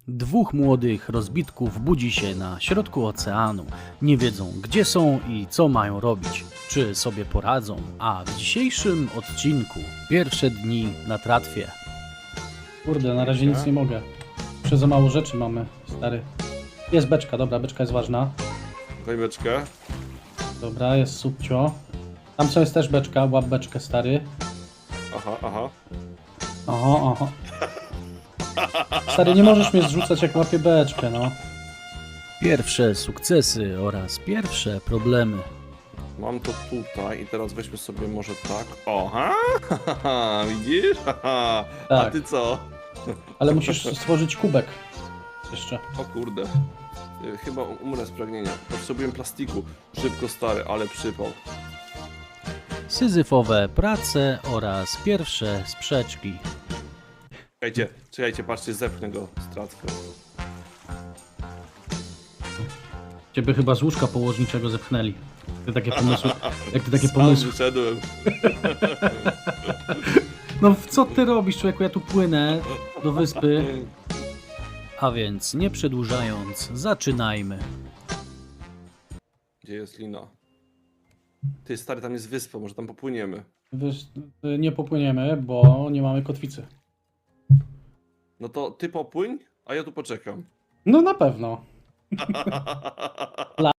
Dwóch młodych rozbitków budzi się na środku oceanu. Nie wiedzą, gdzie są i co mają robić. Czy sobie poradzą? A w dzisiejszym odcinku pierwsze dni na tratwie. Kurde, na razie nic nie mogę. Jeszcze za mało rzeczy mamy, stary. Jest beczka, dobra, beczka jest ważna. Daj beczkę. Dobra, jest subcio. Tam co jest też beczka, łap beczkę, stary. Aha, aha. Oho, oho. Stary, nie możesz mnie zrzucać jak łapię beczkę, no. Pierwsze sukcesy oraz pierwsze problemy. Mam to tutaj i teraz weźmy sobie może tak. Oha, widzisz? A Tak. ty co? Ale musisz stworzyć kubek. Jeszcze. O kurde. Chyba umrę z pragnienia. Potrzebuję plastiku. Szybko stary, ale przypał. Syzyfowe prace oraz pierwsze sprzeczki. Czekajcie, patrzcie, zepchnę go stratkę. Ciebie chyba z łóżka położniczego zepchnęli. Ty takie pomysły. Jak ty takie Sam pomysły. wyszedłem. No co ty robisz, człowieku? Ja tu płynę do wyspy. A więc nie przedłużając, zaczynajmy. Gdzie jest lina? Ty stary, tam jest wyspa, może tam popłyniemy. Wiesz, nie popłyniemy, bo nie mamy kotwicy. No to ty popłyń, a ja tu poczekam. No na pewno.